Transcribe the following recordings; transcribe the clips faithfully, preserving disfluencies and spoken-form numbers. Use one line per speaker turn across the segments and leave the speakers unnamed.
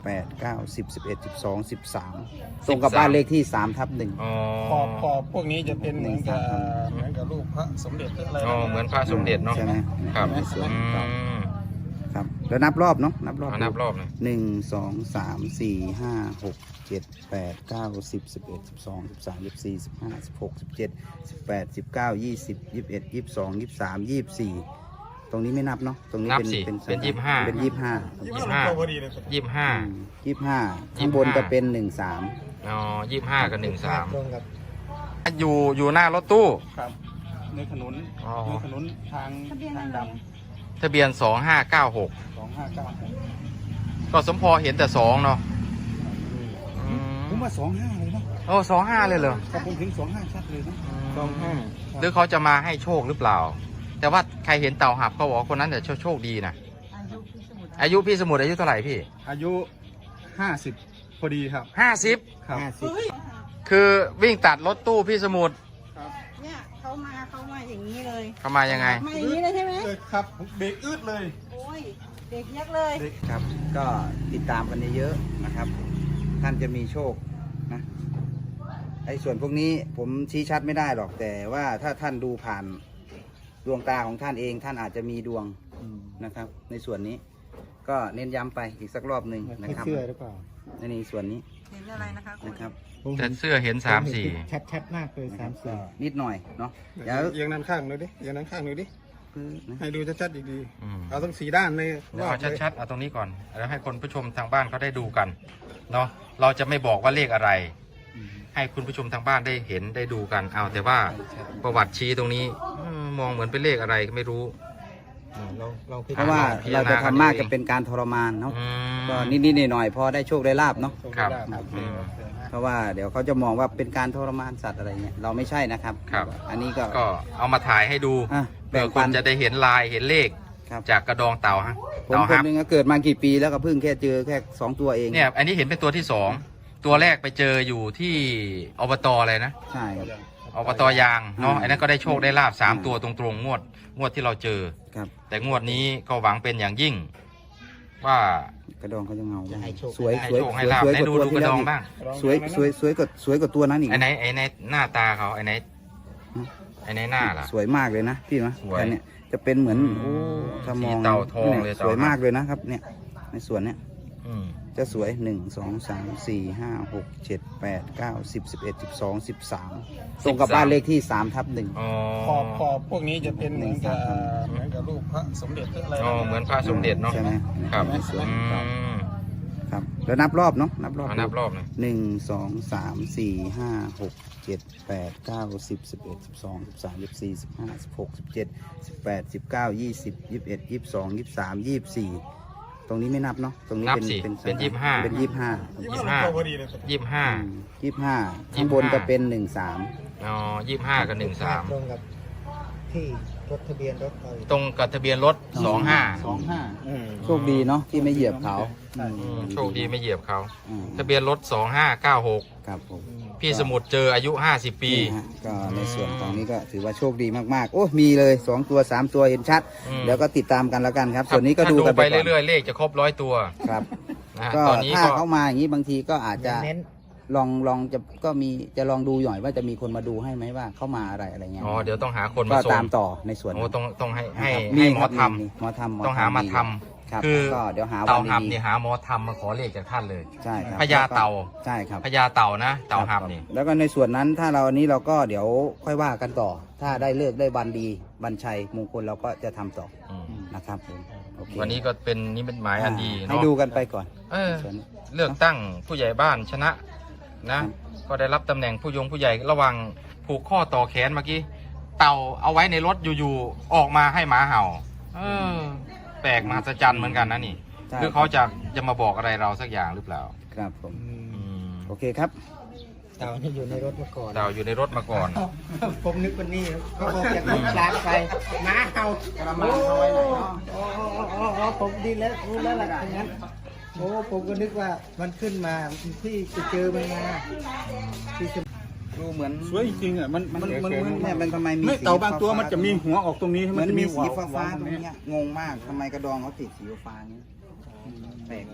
แปดเก้าสิบสิบเอ็ดสิบสองสิบสามตรงกับบ้านเลขที่สามทับหนึ่ง
ขอบขอบพวกนี้จะเป็นเหมือนกับเหมือนกับรูปพระสมเด็จอะไร
อ๋อเหมือนพระสมเด็จเนาะ
ใช่ไหม
ครับ
ในส่วน
อื
ครับ
ม
ครับแล้วนับรอบเนาะนับรอบ
เอานับรอบหน่อย
หนึ่งสองสามสี่ห้าหกเจ็ดแปดเก้าสิบสิบเอ็ดสิบสองสิบสามสิบสี่สิบห้าสิบหกสิบเจ็ดสิบแปดสิบเก้ายี่สิบยี่สิบเอ็ดยี่สิบสองยี่สิบสามยี่สิบสี่ตรงนี้ไม่นับเนาะตรงนี้
นับ
เป็น
สิ
เป็น
เป็นยี่สิบห้า
เป็นยี่สิบห้า
ยี่สิบห้า
พอดีเลย
ยี่สิบห้า
ยี่สิบห้าข้างบนจะเป็นหนึ่งสาม
อ๋อยี่สิบห้ากับหนึ่งสาม
ตรงกับ
อยู่อยู่หน้ารถตู้
ครับในถนน
อ๋อ
ในถนนทางทางด
ทะเบียนสองห้าเก้าหก
ำสองห้าเก้า
ก็สมพอเห็นแต่สองเนาะอื
ผม
ม
ว่าสองห้าเลยนะ
โอ้สองห้าเลยเหรอ
ถ้าผมถึงสองห้าชัดเลยนะสองห้า
หรือเขาจะมาให้โชคหรือเปล่า แต่ว่าใครเห็นเต่าหับเขาบอกว่าคนนั้นแต่โชคดีนะอายุพี่สมุทรอายุเท่าไหร่พี่
อายุห้าสิบพอดีครับ
ห้าสิบ
ครับ
ห้าสิบ
คือวิ่งตัดรถตู้พี่สมุทร
เนี่ยเขามาเขามาอย่างนี้เลย
เขามายังไง
มาอย่างนี้เลยใช่ไหม
เลยครับเบรกอึดเลย
โอ้ยเด็กยักษ์เลย
ครับก็ติดตามกันเยอะๆนะครับ ท่านจะมีโชคนะไอ้ส่วนพวกนี้ผมชี้ชัดไม่ได้หรอกแต่ว่าถ้าท่านดูผ่านดวงตาของท่านเองท่านอาจจะมีดวงนะครับ ในส่วนนี้ก็เน้นย้ำไปอีกสักรอบหนึ่งนะครับ
เชื่อหรือเปล่า
ในนี้ส่วนนี้
เห็นอะไรนะคะคุณ
นะครับ
แต่เสื้อเห็นสามสี่
ชัดชัดมากเลยสามสี่
นิดหน่อยเนาะเดี๋ยว
เอียงด้านข้างหน่อยดิเอียงด้านข้างหน่อยดิ
คือนะ
ให้ดูชัดๆดี
อืม
ๆเอาทั้งสี่ด้านเลย
เดี๋ยวเอาชัดๆเอาตรงนี้ก่อนแล้วให้คนผู้ชมทางบ้านเขาได้ดูกันเนาะเราจะไม่บอกว่าเลขอะไร ให้คุณผู้ชมทางบ้านได้เห็นได้ดูกันเอาแต่ว่าประวัติชี้ตรงนี้อืมมองเหมือนเป็นเลขอะไรก็ไม่รู้
เราเราพิ
เพราะว่า
พิจ
เรา
ารณา
จะทำมาก
กันเอง
จะเป็นการทรมานเนาะ
อืม
ก็นิดๆหน่อยๆพอได้โชคได้ลาบเนาะ
ครับ
โอเค
อืม
โอเค
เพราะว่าเดี๋ยวเขาจะมองว่าเป็นการทรมานสัตว์อะไรเงี้ยเราไม่ใช่นะครับ
ครับ
อันนี้ก็
ก็เอามาถ่ายให้ดู
อ่ะ
เพื่
แบ่
อง คุ
ปั
ณ
น
จะได้เห็นลายเห็นเลข
ครับ
จากกระดองเต่าฮะ
ผม
เต่า
คน
ฮับ
หนึงก็เกิดมากี่ปีแล้วก็เพิ่งแค่เจอแค่สองตัวเอง
เนี่ยอันนี้เห็นเป็นตัวที่สองตัวแรกไปเจออยู่ที่อบตอะไรนะ
ใช่ครับ
อบตยางเนาะ
อืม
อันนั้นก็ได้โชคได้ลาบสาม
อืม
ตัวตรงๆงวดงวดที่เราเจอ
ครับ
แต่งวดนี้ก็หวังเป็นอย่างยิ่ง ว่าก
ระดองเขาจะเงา
จะให้โชค
สวย
ให้
สวย
โชคให้
สวย
ลาบ
สวย
ให้
กว่า
ดู
ตัว
ดูก
ที่
ระ
แล้
ด
ว
อง
อีก
บ้าง
สวยสวยสวยกว่าสวยกว่าตัวนั้นอีก
ไอ้ไหนไอ้ไหนหน้าตาเขาไอ้ไหนไอ้ไหนหน้าล่ะ
สวยมากเลยนะพี่นะ
สวย
แต่เนี่ยจะเป็นเหมือน
อืม
โอ้ถ้ามอง
สีเต่าทองเลย
นี่
เต่า
สวยมากเลยนะครับ เนี่ยในส่วนเนี้ย
อืม
จะสวยหนึ่งสองสามสี่ห้าหกเจ็ดแปดเก้าสิบสิบเอ็ดสิบสองสิบสามตรงกับบ้านเลขที่สามทับหนึ่ง
อ๋อ
ขอบขอบพวกนี้จะเป็นเหมือนกับเหมือนกับรูปพระสมเด็จอะไร
อ๋อเหมือนพระสมเด็จเนาะ
ใช่ไหม
ครับ
ในส่วน
อื
ครับ
ม
ครับแล้วนับรอบเนาะนับรอบ
เอานับรอบหน่อย
หนึ่งสองสามสี่ห้าหกเจ็ดแปดเก้าสิบสิบเอ็ดสิบสองสิบสามสิบสี่สิบห้าสิบหกสิบเจ็ดสิบแปดสิบเก้ายี่สิบยี่สิบเอ็ดยี่สิบสองยี่สิบสามยี่สิบสี่ตรงนี้ไม่นับเนาะตรงนี้
นับ
เป็น
สิ
เป็น
เป็นยี่สิบห้า
เป็นยี่สิบห้า
ยี่สิบห้ายี่สิบห้า
ยี่สิบห้าข้างบนจะเป็นหนึ่งสาม
อ๋อยี่สิบห้ากับหนึ่งสาม
ตรงกับที่รถทะเบียนรถเรา
ตรงกับทะเบียนรถสองห้า
สองห้าโชคดีเนาะที่ไม่เหยียบเขา
อืมโชคดีไม่เหยียบเขา
อืม
ทะเบียนรถสองห้าเก้าหก
ครับผม
พี่สมุทรเจออายุห้าสิบปี
นี่ฮะก็ในส่วนตรงนี้ก็ถือว่าโชคดีมากๆ โอ้มีเลยสองตัวสามตัวเห็นชัด
อืม
เดี๋ยวก็ติดตามกันแล้วกันครับ ส่วนนี้ก็
ถ้า
ดูกัน
ไป
ไปก่อน
เรื่อยๆ เลขจะครบร้อยตัว
ครับ
นะฮะ
ก็
ตอนนี้
ถ้า
ก็
เขามาอย่างนี้บางทีก็อาจจะ
เน้น
ลองลองจะก็มีจะลองดูหน่อยว่าจะมีคนมาดูให้ไหมว่าเข้ามาอะไรอะไรเงี้ย
อ๋อเดี๋ยวต้องหาคน
ก็
มาส่ง
ตามต่อในส่วน
โอ้ต้องต้องให้ให้
นะครับ
ให้หมอ
ครับ
ท
มีหมอทำ
ำต้องหามาท
ครับ
ำคือ
ก็เดี๋ยวหา
เต่า
วัน
หับ
ดี
นี่หาหมอทำมาขอเลขจากท่านเลย
ๆใช่ครับ
พญาเต่า
ใช่ครับ
พญาเต่านะเต่าหับนี่
แล้วก็ในส่วนนั้นถ้าเราอันนี้เราก็เดี๋ยวค่อยว่ากันต่อ ถ้าได้เลิกได้วันดีบัญชัยมงคลเราก็จะทำต่อ
อืม
นะครับผมโอเค
วันนี้ก็เป็นนิมิตหมายอันดี
ให้
เนาะ
ดูกันไปก่อน
เออ
ส่วนนี้
เลือกตั้งผู้ใหญ่บ้านชนะนะ ก็ได้รับตำแหน่งผู้ยงผู้ใหญ่ระหว่างผูกข้อต่อแขนเมื่อกี้เต่าเอาไว้ในรถอยู่ๆออกมาให้หมาเห่า เออ แปลกมหัศจรรย์เหมือนกันนะนี่
ใช่
หรือเขาจะจะมาบอกอะไรเราสักอย่างหรือเปล่า
ครับผม
อืม
โอเคครับ
เต่านี่อยู่ในรถมาก่อน
เต่าอยู่ในรถมาก่อน
ผมนึกว่านี่เขาออกจากรถลากไปม้าเห่าก
ระมังเขาไว้ไหนเนาะ
อ๋ออ๋ออ๋อผมดีแล้วรู้แล้วล่ะอย่างนั้นโอ้ผมก็นึกว่ามันขึ้นมาที่ไปเจอมันมาที่จะ
ดูเหมือน
สวยจริงๆอ่ะมัน
มัน
มัน
มัน
มัน
เนี่ยมันทำไมมี
ไม่
สี
เต่าบางตัว
ฟ้ๆ
มันจะมีหัวออกตรงนี้
เหมือน
จะ
มีสี
หัว
ฟ้าฟ้าๆตรง
นี้
เนี้ยงงมากทำไมกระดองเขาติดสีฟ้าๆอย่างนี้แปลกนะแต่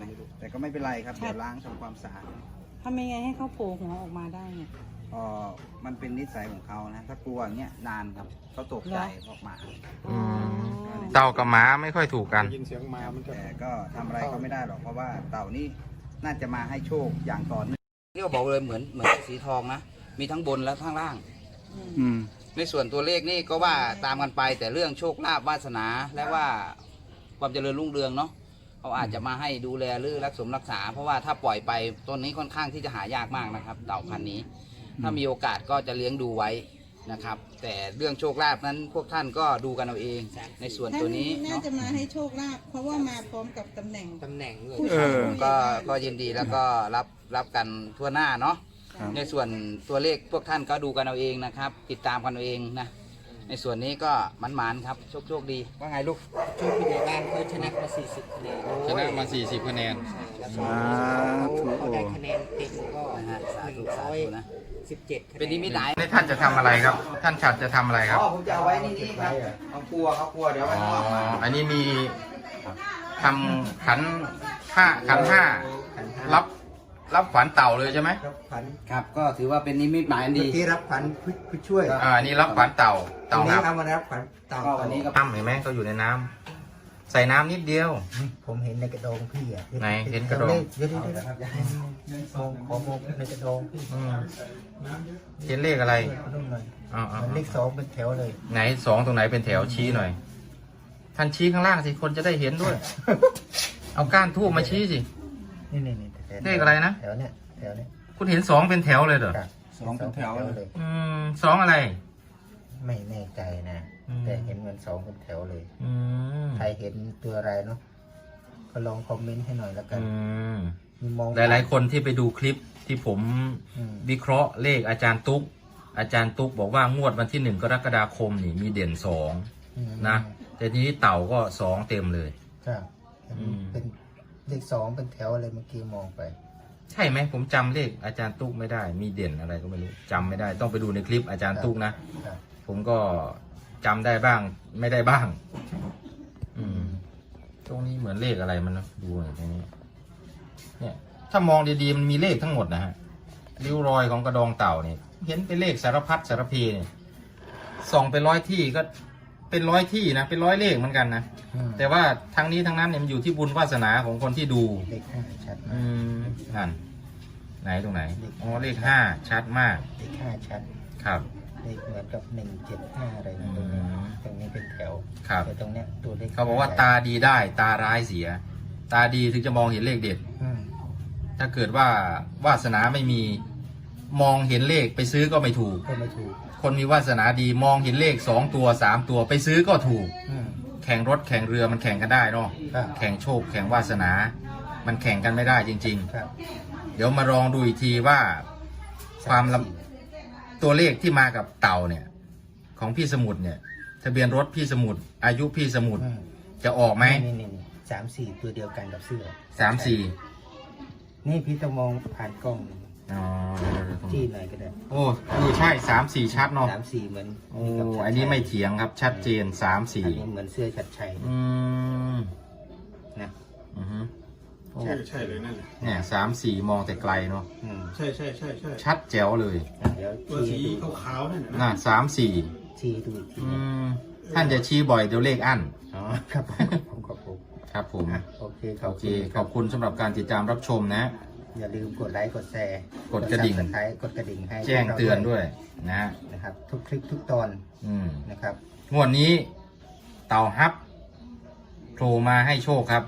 แต่ก็ไม่เป็นไรครับเดี๋ยวล้างทำความสะอาด
ทำยังไงให้เขาโผล่หัวออกมาได้เนี่ย
เอ่อมันเป็นนิสัยของเขานะถ้ากลัวอย่างเงี้ยนานครับเขาตกใจออกมา
อืมเต่ากับหมาไม่ค่อยถูกกัน
ยินเสียงมามันจะ
แต่ก็ทำอะไรเขาไม่ได้หรอกเพราะว่าเต่านี่น่าจะมาให้โชคอย่างต่อเนื่องที่เขาบอกเลยเหมือนเหมือนสีทองนะมีทั้งบนและข้างล่าง
อืม
ในส่วนตัวเลขนี่ก็ว่าตามกันไปแต่เรื่องโชคลาภวาสนาและว่าความเจริญรุ่งเรืองเนาะเขาอาจจะมาให้ดูแลหรือรักษารักษา เพราะว่าถ้าปล่อยไปต้นนี้ค่อนข้างที่จะหายากมากนะครับ เต่าพันธุ์นี้ ถ้ามีโอกาสก็จะเลี้ยงดูไว้นะครับ แต่เรื่องโชคลาภนั้นพวกท่านก็ดูกันเอาเอง ในส่วนตัวนี้
น่า
เนาะ
จะมาให้โชคลาภเพราะว่ามาพร้อมกับตำแหน่ง
ตำแหน่งด้วย
ผู้
เอ
ชาย
อ
ผู้ใหญ่
ก็
บ้าน
ก็ยินดีแล้วก็รับรับกันทั่วหน้าเนาะ
ครับ
ในส่วนตัวเลขพวกท่านก็ดูกันเอาเองนะครับ ติดตามกันเอาเองนะในส่วนนี้ก็มันหมานๆครับโชคโชคดีว่าไงลูก
ช่วยผู้ใหญ่บ้านเขาชนะมาสี่สิบคะแนน
ชนะมาสี่สิบคะแนน
แล้ว
สาธุ
เขาได้คะแนนเต็มก็
นะฮะสา
หนึ่
ธุ
ง
สา
ร้อย
ธุนะ
สิบเจ็ดคะแนน
เป็นนิมิตหมาย
นี่ท่านจะทำอะไรครับ ท่านฉัดจะทำอะไรครับ
อ๋อผมจะเอาไว้นี่นี่ครับเอาครัวเอาครัวเดี๋ยวไว้
อ๋อ
ข้างนอกมา
อันนี้มีทำขันห้าขันห้ารับรับขวัญเต่าเลยใช่ไหม
รับขวัญ
ครับก็ถือว่าเป็นนิมิตหมายอัน
เมื่
ดี
อกี้รับขวัญผู้ผู้ช่วย
อ่าอันนี้รับขวัญเต่า
ตร
เต่าง
นี้
ครับ
เอามารับขวัญเต่า
ก็วันนี้ก็
น้ำเห็นไหมเขาอยู่ในน้ำใส่น้ำนิดเดียว
ผมเห็นในกระดองพี่อ่ะ
ไหนเห็นกระดอง
เดี๋ยวเดี๋ยวเดี๋ยวเดี๋ยวมองขอมองในกระดองพี่
อืมเห็นเลขอะไร
นุ่มหน่อย
อ๋ออ๋อ
มันเลขสองเป็นแถวเลย
ไหนสองตรงไหนเป็นแถวชี้หน่อย ท่านชี้ข้างล่างสิคนจะได้เห็นด้วย เอาก้านทูบมาชี้สิ
นี่นี่นี่แถว
เลขอะไรนะ
แถวเนี้ยแถวเนี้ย
คุณเห็นสองเป็นแถวเลยเหรอ
ครับ
สองเป็นแถวเลย
เลย
อืมสองอะไร
ไม่แน่ใจนะ
อืม
แต่เห็นเหมือนสองเป็นแถวเลย
อืม
ใครเห็นตัวอะไรเนาะก็ลองคอมเมนต์ให้หน่อยแล้วกัน
อืม
มีมอง
หลายๆคนที่ไปดูคลิปที่ผม
อืม
วิเคราะห์เลขอาจารย์ตุ๊ก อาจารย์ตุ๊กบอกว่างวดวันที่หนึ่งกรกฎาคมนี่มีเด่นสอง
อืม
นะ แต่ทีนี้เต่าก็สองเต็มเลย
ครับเห็น
อืม
เป็นเลขสองเป็นแถวอะไรเมื่อกี้มองไป
ใช่ไหมผมจำเลขอาจารย์ตุ๊กไม่ได้ มีเด่นอะไรก็ไม่รู้จำไม่ได้ ต้องไปดูในคลิปอาจารย์ตุ๊กนะ
ครับ
ผมก็จำได้บ้างไม่ได้บ้าง อืม ตรงนี้เหมือนเลขอะไรมันนะดูหน่อยตรงนี้ เนี่ย ถ้ามองดีๆมันมีเลขทั้งหมดนะฮะ ริ้วรอยของกระดองเต่าเนี่ยเห็นเป็นเลขสารพัดสารเพเนี่ยส่องไปร้อยที่ก็เป็นร้อยที่นะ เป็นร้อยเลขเหมือนกันนะ
อืม
แต่ว่าทั้งนี้ทั้งนั้นเนี่ยมันอยู่ที่บุญวาสนาของคนที่ดู
เลขห้าชัด
อืมนั่นไหนตรงไหน อ๋อ เลขห้าชัดมาก
เลขห้าชัด
ครับ
เลขเหมือนกับหนึ่งเจ็ดห้าอะไรนะ
อืม
ตรงนี้ตรงนี้เป็นแถว
ครับ
แต่ตรงเนี้ยตัวเลข
เขาบอกว่าตาดีได้ตาร้ายเสีย ตาดีถึงจะมองเห็นเลขเด็ด
อืม
ถ้าเกิดว่าวาสนาไม่มีมองเห็นเลขไปซื้อก็ไม่ถูก
ก็ไม่ถูก
คนมีวาสนาดีมองเห็นเลขสองตัวสามตัวไปซื้อก็ถูก
อืม
แข่งรถแข่งเรือมันแข่งกันได้เนาะ
ครับ
แข่งโชคแข่งวาสนา มันแข่งกันไม่ได้จริง
ครับ
ๆ เดี๋ยวมาลองดูอีกทีว่าความลำตัวเลขที่มากับเต่าเนี่ย ของพี่สมุทรเนี่ย ทะเบียนรถพี่สมุทรอายุพี่สมุทร
อืม
จะออกไหม
นี่นี่นี่สามสี่ตัวเดียวกันกับเสื้อ
สามสี่
นี่พี่ต้องมองผ่านกล้อง
อ๋อ
จี้หน่อยก็ได้
โอ้เออใช่สามสี่ชัดเนาะ
สามสี่เหมือน
โอ้
กับชัดชัย
อันนี้ไม่เถียงครับชัดเจนสามสี่
อันนี้เหมือนเสื้อชัดชัย
อืม
นะ
อือฮึ
ใช่
ใช่เลยนั่นแหละ
เนี่ยสามสี่มองแต่ไกลเนาะ
อืม
ใช่ใช่ใช่ใช่
ชัดแจ๋วเลย
เดี๋ยว
ตัว
ชี้
สี
ให้ดู
ขาวๆนั่นน่ะ
น่ะ
นะ
สามสี่
ชี้ดูอีกที
อืมท่านจะชี้บ่อยเดี๋ยวเลขอั้น
อ๋อครับผมขอบคุณ
ครับผม
อ่ะโอเคขอบ
โอเค
คุณ
ขอบคุณสำหรับการติดตามรับชมนะ
อย่าลืมกดไลค์กดแชร์
กดกระดิ่ง
ซับสไครต์กดกระดิ่งให้
แจ้งเตือนด้วยนะฮะ
นะครับ ทุกคลิปทุกตอน
อืม
นะครับ
งวดนี้เต่าฮับโผล่มาให้โชคครับ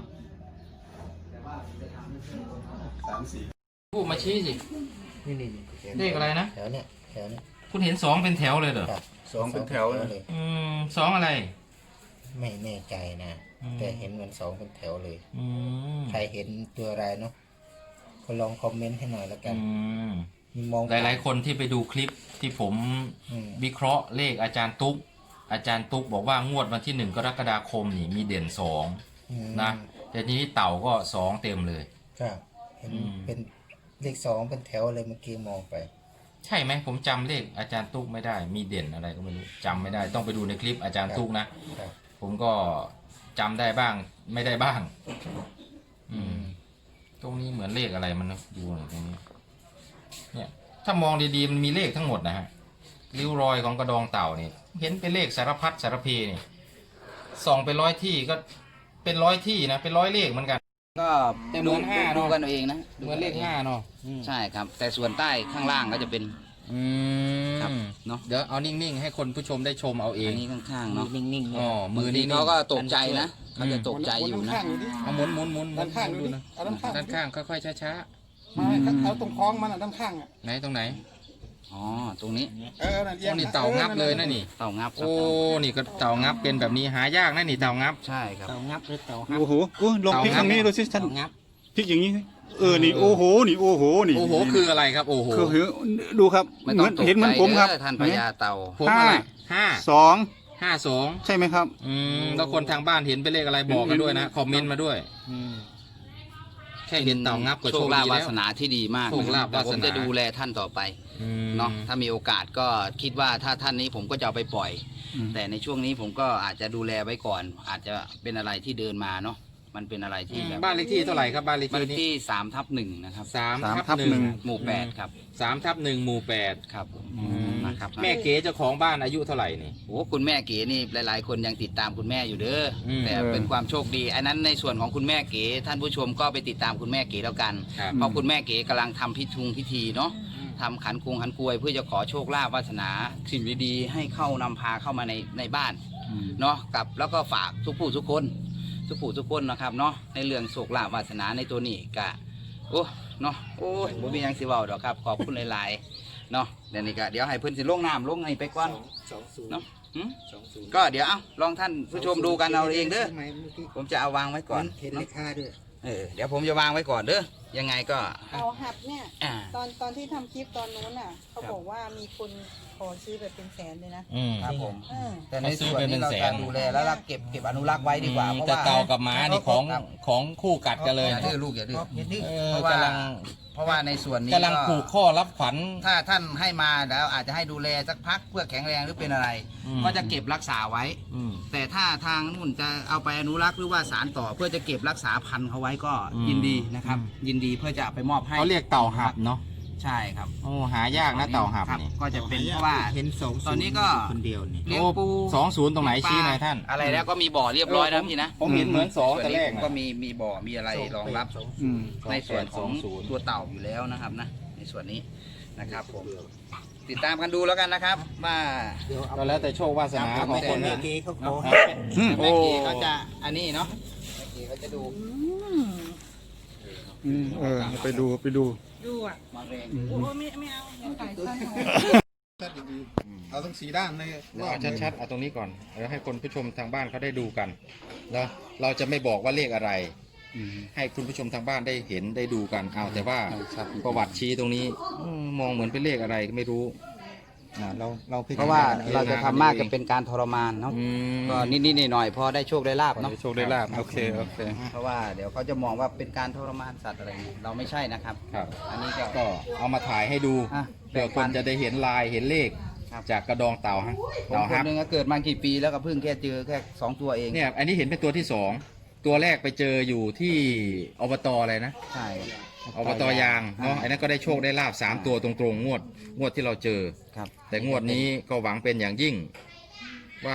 สามสี่
พูดมาชี้สิ
นี่นี่
เลขอะไรนะ
แถวเนี้ยแถวเนี้ย
คุณเห็นสองเป็นแถวเลยเหรอ
ครับ
สองเป็นแถวเลย
เลย
อืมสองอะไร
ไม่แน่ใจนะ
อืม
แต่เห็นเหมือนสองเป็นแถวเลย
อืม
ใครเห็นตัวอะไรเนาะก็ลองคอมเมนต์ให้หน่อยแล้วกัน
อืม
มีมอง
หลายๆ คนที่ไปดูคลิปที่ผม
อืม
วิเคราะห์เลขอาจารย์ตุ๊ก อาจารย์ตุ๊กบอกว่างวดวันที่หนึ่งกรกฎาคมนี่มีเด่นสอง
อืม
นะแต่ทีนี้เต่าก็สองเต็มเลย
ครับเห็น
อืม
เป็นเลขสองเป็นแถวเลยเมื่อกี้มองไป
ใช่ไหมผมจำเลขอาจารย์ตุ๊กไม่ได้ มีเด่นอะไรก็ไม่รู้จำไม่ได้ ต้องไปดูในคลิปอาจารย์ตุ๊กนะ
ครับ
ผมก็จำได้บ้างไม่ได้บ้าง อืมตรงนี้เหมือนเลขอะไรมันนะดูหน่อยตรงนี้ เนี่ย ถ้ามองดีๆมันมีเลขทั้งหมดนะฮะริ้วรอยของกระดองเต่านี่เห็นเป็นเลขสารพัดสารเพนี่ส่องไปร้อยที่ก็เป็นร้อยที่นะเป็นร้อยเลขเหมือนกัน
ก็
แต่เหมือนห้าเนอะ
ดูกันเอาเองนะ
เหมือนเลขห้าเนาะ
ใช่ครับ แต่ส่วนใต้ข้างล่างก็จะเป็น
อื
ครับ
ม
เนาะ
เดี๋ยวเอานิ่งๆให้คนผู้ชมได้ชมเอาเอ
อั
ง
นนี้ข้างๆเนาะ
นิ่งๆ
อ๋อมื
มื
อ
อ
นี่
นี้เขาก็ตกใจนะเขาจะตกใจอยู่นะ
เอาหมุนหมุนหมุน
ด้านข้าง
ดู
ดูดิ
นะ
เอาด้านข้าง
ด้านข้างค่อยๆช้า
ไม่เอาตรงคล้องมันอ่ะด้านข้างอ่ะ
ๆไหนตรงไหน
อ๋อตรงนี้
เออนั่นเอีย
โอ้
ง
นี่เต่างับเลยนะนี่
เต่างับครับ
โอ้นี่ก็เต่างับเป็นแบบนี้หายากนะนี่เต่างับ
ใช่ครับ
เต่างับหรือเต่าฮับ
โอ้โหโอ้ยลองพลิกทางนี้ดูสิท่าน
เต่างับ
พลิกอย่างนี้สิเออนี่โอ้โหนี่โอ้โหนี่
โอ้โหคืออะไรครับโอ้โห
คือเห็นดูครับ
ไม่
เห
ต้
มื
อ
อง น
ตก
เห็นเหมือน
ใจ
ผมครับ
เด้อท่านพญาเต่า
ผมอะไรห้า
สอง
ห้าสอง
ใช่ไหมครับ
อืมแล้วคนทางบ้านเห็นเป็นเลขอะไรบอกกันด้วยนะคอมเมนต์มาด้วย
อืม
แค่เห็นเต่างับก็
โช
โช
ค
ค
ลา
ดี
ภวา
แล้ว
สนาที่ดีมาก
โชคลาภ
แต่ผม
วาสนา
จะดูแลท่านต่อไป
อืม
เนาะถ้ามีโอกาสก็คิดว่าถ้าท่านนี้ผมก็จะเอาไปปล่อย
อืม
แต่ในช่วงนี้ผมก็อาจจะดูแลไว้ก่อน อาจจะเป็นอะไรที่เดินมาเนาะมันเป็นอะไรที่แบบ
บ้านเลขที่เท่าไหร่ครับบ้านเลข
บ้านเล
ที่
ข
นี้
ที่สามทับหนึ่งนะครับ
สาม
สามทั
ทับบ หนึ่ง
หนึ่ง
หมู่แปดครับ
สามทับหนึ่งหมู่แปด
ครับผม
อืม
นะครับ
แม่เก๋เจ้าของบ้านอายุเท่าไหร่นี่
โอ้คุณแม่เก๋นี่หลาย ๆ คนยังติดตามคุณแม่อยู่เด้ออ
ม
แต่เป็นความโชคดีอันนั้นในส่วนของคุณแม่เก๋ท่านผู้ชมก็ไปติดตามคุณแม่เก๋แล้วกัน
ครับ
เพราะคุณแม่เก๋กำลังทำพิธุงพิธีเนาะทำขันคุงขันกวยเพื่อจะขอโชคลาภวาสนาสิ่งดีๆให้เข้านำพาเข้ามาในในบ้านเนาะกับแล้วก็ฝากทุกผู้ทุกคนทุกผู้ทุกคนนะครับเนาะในเรื่องโชคลาภวาสนาในตัวนี้กะโอ้เนาะโอ้ยผมมีหยังสิเว้าดอกครับขอบคุณหลายๆเนาะเดี๋ยวนี้ก็เดี๋ยวให้เพิ่นสิลงน้ำลงไงไปก่อน
สองศูนย์
เนาะหืม
สองศูนย์
ก็เดี๋ยวเอาลองท่านผู้ชมดูกันเอาเองเด้อ
ใช่ไหมเมื่อกี้
ผมจะเอาวางไว้ก่อน
เห็นเลขห้าด้วย
เออเดี๋ยวผมจะวางไว้ก่อนเด้อยังไงก็
เอาหับเนี่ย
อ่า
ตอนตอนที่ทำคลิปตอนนู้นอ่ะ เขา
ครับ
บอกว่ามีคนขอซื้อแบบเป็นแสนเลยนะ
อืม
ครับผม
เออ
แต่ในส่วนนี้เราจะดูแลแล้วเราเก็บเก็บอนุรักษ์ไว้ดีกว่าเพราะ
แต่
ว่า
เต่ากับหมานี่ของ
ครับ
ของคู่กัดกันเลย
อย่าดื้อลูกอย่าดื้อ
อย่าดื้อ
เอ
เพ
อ
ราะว่าก
ำลัง
เพราะว่าในส่วนนี้
กำลังผูกข้อรับขวัญ
ถ้าท่านให้มาแล้วอาจจะให้ดูแลสักพักเพื่อแข็งแรงหรือเป็นอะไร
อืม
ก็จะเก็บรักษาไว้
อืม
แต่ถ้าทางนู่นจะเอาไปอนุรักษ์หรือว่าสารต่อเพื่อจะเก็บรักษาพันธุ์เขาไว้ก็
อืม
ยินดีนะครับ
อืม
ยินดีเพื่อจะเอาไปมอบให้
เขาเรียกเต่าหับเนาะ
ใช่ครับ
โอ้หายากนะเต่าหับ
ครับ
นี่
ก็จะเป็นเพราะว่า
เห็นสองศูย์
ตอนนี้ก็
คนเดียวนี่
เลี้ยงปู
สองศูนย์ตรงไหนชี้หน่อยท่าน
อะไรแล้วก็มีบ่อเรียบร้อยแล้วพี่นะ
ผมเห็นเหมือนสอง
ส่วน
แต่
นี้
แรก
ผม
นะ
ก็มีมีบ่อมีอะไรรองรับ
อืม
ในส่วนของ
สองศูนย์
ตัวเต่าอยู่แล้วนะครับนะในส่วนนี้นะครับผมติดตามกันดูแล้วกันนะครับว่า
เดี๋ยวเอา
ก็แล้วแต่โชควาสนาของคน
แม่
นะ
เก๋เขาขอ
เนาะ
ให้เป็น
อืม
แม่เก๋เขาจะอันนี้เนาะแม่เก๋เขาจะดู
อืม
อืมเออไปดูไปดู
ดูอ่ะ
มาเรง
โอ้ไม่ไม่เอาอย่าขายสั้นของ
เอาทั้งสีด้านเลย
เดี๋ยวเอาชัดๆเอาตรงนี้ก่อนเดี๋ยวให้คนผู้ชมทางบ้านเขาได้ดูกันแล้วเราจะไม่บอกว่าเลขอะไร
อืม
ให้คุณผู้ชมทางบ้านได้เห็นได้ดูกันเอาแต่ว่า
ครับ
ประวัติชี้ตรงนี้อืมมองเหมือนเป็นเลขอะไรก็ไม่รู้อ่าเราเราพิจ
เพราะว่า
ณ
เราจะทำมากจะเป็นการทรมานเนาะ
อืม
ก็นิดๆหน่อยๆพอได้โชคได้ลาบเนาะ
โชคได้ลาบโอเคโอเค
เพราะว่าเดี๋ยวเขาจะมองว่าเป็นการทรมานสัตว์อะไรอย่างนี้เราไม่ใช่นะครับ
ครับ
อันนี้ก็
ก็เอามาถ่ายให้ดู
อ่ะ
เพื่อคนจะได้เห็นลายเห็นเลข
ครับ
จากกระดองเต่าฮะ
ผม
เต่า
ค
ฮั
น
บ
หนึ่งก็เกิดมากี่ปีแล้วก็เพิ่งแค่เจอแค่สองตัวเอง
เนี่ยอันนี้เห็นเป็นตัวที่สองตัวแรกไปเจออยู่ที่อบตอะไรนะ
ใช่
อบตยางเนาะไอ้นั้นก็ได้โชคได้ลาบสามตัวตรงๆงวดงวดที่เราเจอ
ครับ
แต่งวดนี้ก็หวังเป็นอย่างยิ่ง ว่าก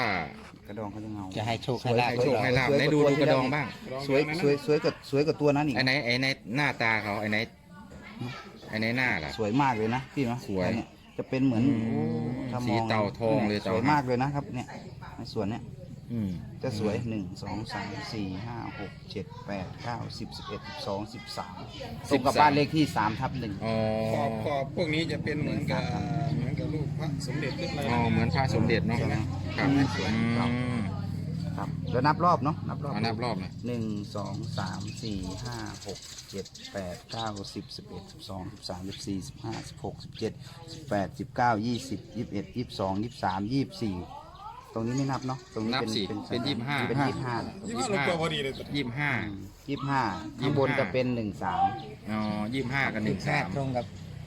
ระดองเขาจะเงา
จะให้โชค
ส
ให้
วย
ลาบ
ให้โชคให้ลาบไหนดูดูกระดองบ้าง
สวยสวยสวยกว่าสวยกว่าตัวนั้นอีก
ไอ้ไหนไอ้ไหนหน้าตาเขาไอ้ไหนไอ้ไหนหน้าล่ะ
สวยมากเลยนะพี่เนาะ
สวย
เนี่ยจะเป็นเหมือน
อืม
โอ้ถ้ามอง
สีเต่าทองเลย
ส
เต่า
วยมากเลยนะครับเนี่ยในส่วนเนี้ย
อืม
จะสวยหนึ่งสองสามสี่ห้าหกเจ็ดแปดเก้าสิบสิบเอ็ดสิบสองสิบสามตรงกับบ้านเลขที่สามทับหนึ่ง
อ๋อ
ขอบขอบพวกนี้จะเป็นเหมือนกับเหมือนกับรูปพระสมเด็จขึ้นมา
อ๋อเหมือนพระสมเด็จเนาะ
ใช่ไหม
ครับ
สวย
อืม
ครับแล้วนับรอบเนาะนับรอบ
เอานับรอบหน่อย
หนึ่งสองสามสี่ห้าหกเจ็ดแปดเก้าสิบสิบเอ็ดสิบสองสิบสามสิบสี่สิบห้าสิบหกสิบเจ็ดสิบแปดสิบเก้ายี่สิบยี่สิบเอ็ดยี่สิบสองยี่สิบสามยี่สิบสี่ตรงนี้ไม่นับเนาะตรงนี้
นับ
เป็น
สิเป็นยี่สิบห้า
เป็นยี่สิบห้า
ยี่สิบห้าลงตัวพอดีเลย
ยี่สิบห้า
ยี่สิบห้าข้างบนจะเป็นหนึ่งสาม
อ๋อยี่สิบห้ากับหนึ่งสาม
ตรงกับ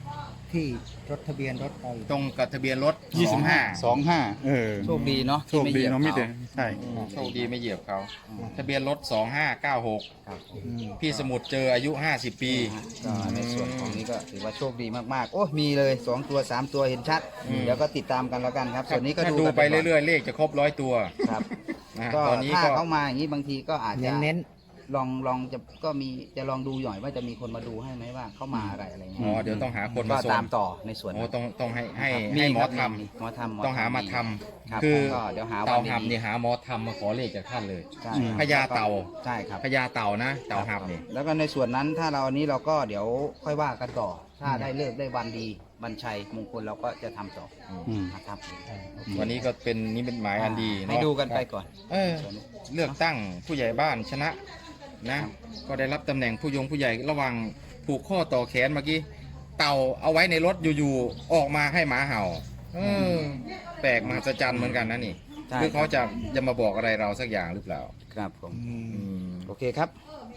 ที่รถทะเบียนรถเรา
ตรงกับทะเบียนรถสองห้า
สองห้าเออ
โชคดีเนาะ
โชคดีเนาะมิเตใช่
โชคดีไม่เหยียบเขาทะเบียนรถสองห้าเก้าหก
ครับ
พี่สมุทรเจออายุห้าสิบปี
ก็ในส่วนของนี้ก็ถือว่าโชคดีมากๆ โอ้มีเลยสองตัวสามตัวเห็นชัด
อืม
เดี๋ยวก็ติดตามกันแล้วกันครับ ส่วนนี้ก็
ถ้า
ดู
ดู
กัน
ไป
ก่น
เรื่อยๆ เลขจะครบร้อยตัว
ครับ
นะฮะ
ก็
ตอนนี้
ถ้า
ก็
เขามาอย่างนี้บางทีก็อาจจะ
เน้น
ลองลองจะก็มีจะลองดูหน่อยว่าจะมีคนมาดูให้ไหมว่าเขามาอะไรอะไรเงี้
อ๋
ย
อเดี๋ยวต้องหาคน
ก็
มาส่ง
ตามต่อในส่วน
โอ้ต้องต้องให้ให้
ครับ
ให้หมอ
ครับ
ทำ
หมอทำ
ต้องหามาท
ครับ
ำคือ
ก็เดี๋ยวหา
เต่า
วัน
หับ
ดี
นี่หาหมอทำมาขอเลขจากท่านเลย
ใช่
พญาเต่า
ใช่ครับ
พญาเต่านะเต่าหับนี่
แล้วก็ในส่วนนั้นถ้าเราอันนี้เราก็เดี๋ยวค่อยว่ากันต่อ ถ้าได้เลิกได้วันดีวันชัยมงคลเราก็จะทำต่อ
อืม
นะครับ
วันนี้ก็เป็นนิมิตหมายอันดี
ให้
เนาะ
ดูกันไปก่อน
เออเลือกตั้งผู้ใหญ่บ้านชนะนะ ก็ได้รับตำแหน่งผู้ยงผู้ใหญ่ระหวังผูกข้อต่อแขนเมื่อกี้เต่าเอาไว้ในรถอยู่ๆออกมาให้หมาเห่าเออแปลกมหัศจรรย์เหมือนกันนะนี่
ใช่
คือเขาจะจะมาบอกอะไรเราสักอย่างหรือเปล่า
ครับผม
อืม
โอเคครับ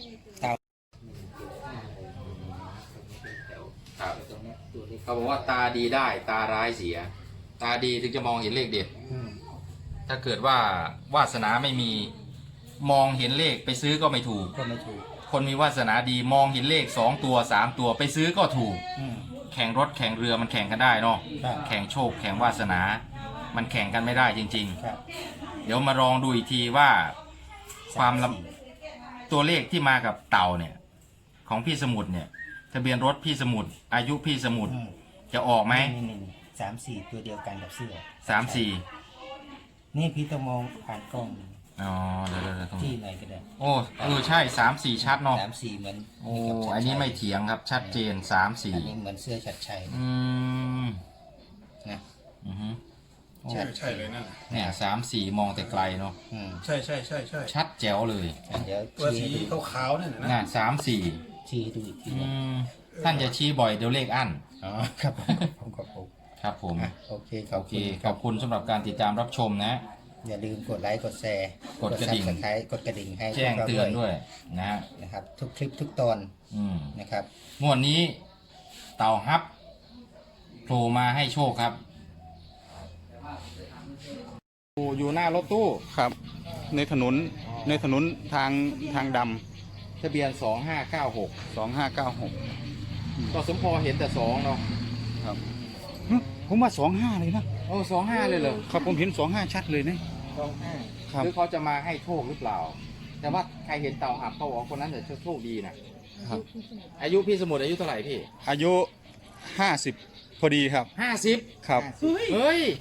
ครับเขาบอกว่าตาดีได้ตาร้ายเสีย ตาดีถึงจะมองเห็นเลขเด็ด ถ้าเกิดว่าวาสนาไม่มีมองเห็นเลขไปซื้อก็ไม่ถูก
ก็ไม่ถูก
คนมีวาสนาดีมองเห็นเลขสองตัวสามตัวไปซื้อก็ถูก
อืม
แข่งรถแข่งเรือมันแข่งกันได้เนาะ
ครับ
แข่งโชคแข่งวาสนา มันแข่งกันไม่ได้จริง
ครับ
ๆ เดี๋ยวมาลองดูอีกทีว่าความลำตัวเลขที่มากับเต่าเนี่ย ของพี่สมุทรเนี่ย ทะเบียนรถพี่สมุทรอายุพี่สมุทร
อืม
จะออกไหม
นี่นี่นี่สามสี่ตัวเดียวกันกับเสื้อ
สามสี่
นี่พี่ต้องมองผ่านกล้อง
อ๋อเดี๋ยวเดี๋ยวเดี๋ยวตรง
ที่
นี้
ไหนก็ได้
โอ้เออใช่สามสี่ชัดเนาะ
สามสี่เหมือน
โอ้
กับชัดชัย
อันนี้ไม่เถียงครับชัดเจนสามสี่
อันนี้เหมือนเสื้อชัดชัย
อืม
นะ
อือฮึโอ้
ใช่ใช่เลยนั่นน่ะ
เนี่ยสามสี่มองแต่ไกลเนาะ
อืม
ใช่ใช่ใช่ใช่
ชัดแจ๋วเลย
เดี๋ยว
ตัว
ชี้
สี
ให้ดู
ขาวๆนั่นน่ะนะ
น่ะสามสี่
ชี้ให้ดูอีกที
อื
นะ
มท่านจะชี้บ่อยเดี๋ยวเลขอั้น
อ๋อครับผมผมขอบคุณ
ครับผม
อ่ะโอเคขอ
โอบ เค
คุณ
ขอบคุณสำหรับการติดตามรับชมนะ
อย่าลืมกดไลค์กดแชร์
กดกระดิ่ง
ซับสไครต์กดกระดิ่งให้
แจ้ง
พวกรา
เตือนด้วยนะฮะ
นะครับทุกคลิปทุกตอน
อืม
นะครับ
งวดนี้เต่าฮับโผล่มาให้โชคครับอยู่หน้ารถตู้
ครับ ในถนนในถนนทางทางด
ทะเบียนสองห้าเก้าหก
ำสองห้าเก้าหก
ก็สมพอเห็นแต่สองเนาะ
ครับหึผมว่าสองห้าเลยนะ
โอ้สองห้าเลยเหรอ
ครับผมเห็นสองห้าชัดเลยนะ
สองห้า
ครับ
หรือเขาจะมาให้โชคหรือเปล่า แต่ว่าใครเห็นเต่าหับเขาบอกว่าคนนั้นจะโชคดีนะครับ อายุพี่สมุทรอายุเท่าไหร่พี่
อายุห้าสิบพอดีครับ
ห้าสิบ
ครับ
เฮ้ย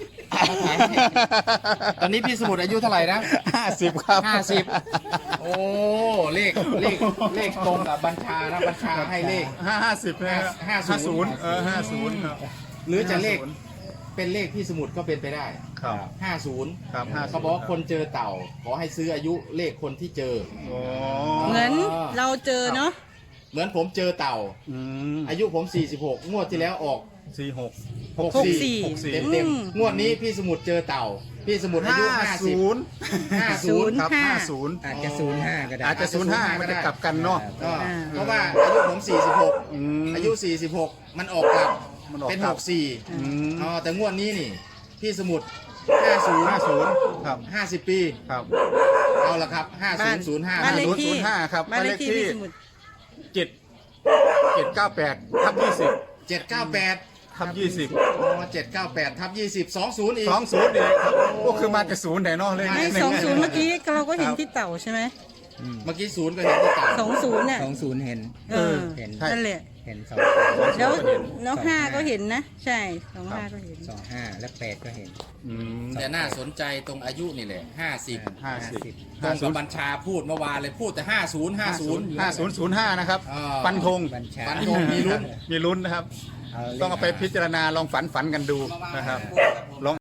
ตอนนี้พี่สมุทรอายุเท่าไหร่นะ
ห้าสิบครับ
ห้าสิบโอ้เลขเลขเลขตรงกับบัญชานะบัญชาให้เลข
ห้าห้าสิบนะ
ห้าศูนย์
เออห้าศูนย์ครับ
หรือจะเลขเป็นเลขพี่สมุทรก็เป็นไปได้
ครับ
ห้าศูนย์
ครับห้า
เขาบอกว่าคนเจอเต่า ขอให้ซื้ออายุเลขคนที่เจอ
โอ้
เหมือนเราเจอเนาะ
เหมือนผมเจอเต่า
อืม
อายุผมสี่สิบหกงวดที่แล้วออก
สี่หก
หก
หก
สี่
สี่
หกสี่
เต็มเต็ม
อืม
งวดนี้พี่สมุทรเจอเต่า พี่สมุทรอายุห้าสิบ
ศูนย์
ห้าศูนย์
ครับ
ห้า
ห้าศูนย์
อาจจะศูนย์ห้าก็ได้
อาจจะศูนย์ห้ามันจะกลับกันเนาะ
ก็เพราะว่าอายุผมสี่สิบหก
อืม
อายุสี่สิบหกมันออกกลับ
มันออก
เป็น
กลั
ห
บ
กสี่
อืม
อ๋อแต่งวดนี้นี่ พี่สมุทรห้าศูนย์
ห้าศูนย์ครับ
ห้าสิบปี
ครับ
เอาละครับห้าศูนย์ศูนย์ห้า
บ้านเลขที่
ศูนย์ห้าครับ
บ้านเลขที่
บ้านเลขที่
พี่สมุทร
เจ็ดเจ็ดเก้าแปดทับยี่สิบ
เจ็ดเก้าแปด
ทับยี่สิบ
อ๋อเจ็ดเก้าแปดทับยี่สิบสองศูนย์อีก
สองศูนย์เองครับก็คือมาจากศูนย์ไหนเนาะเลย
ไอ้สองศูนย์เมื่อกี้เราก็เห็นที่เต่าใช่ไหม
เมื่อกี้ศูนย์ก็เห็นที่เต่า
สองศูนย์เนี่ย
สองศูนย์เห็น
เออ
เห็น
นั่นแหละ
เห็นสอง
แล้วแล้วห้าก็เห็นนะ ใช่สองห้าก็เห็น
สองห้าและแปดก็เห็น
อืม
แต่น่าสนใจตรงอายุนี่แหละห้าสิบ
ห้าสิบ
ตรงกับบัญชาพูดเมื่อวานเลยพูดแต่ห้าศูนย์ห้าศูนย์
ห้าศูนย์ศูนย์ห้านะครับ
อ่า
ฟันธง
บัญชา
ฟันธงมีลุ้น
มีลุ้นนะครับ
เอาเลข
ต้องเอาไปพิจารณาลองฝันฝันกันดูนะครับลอง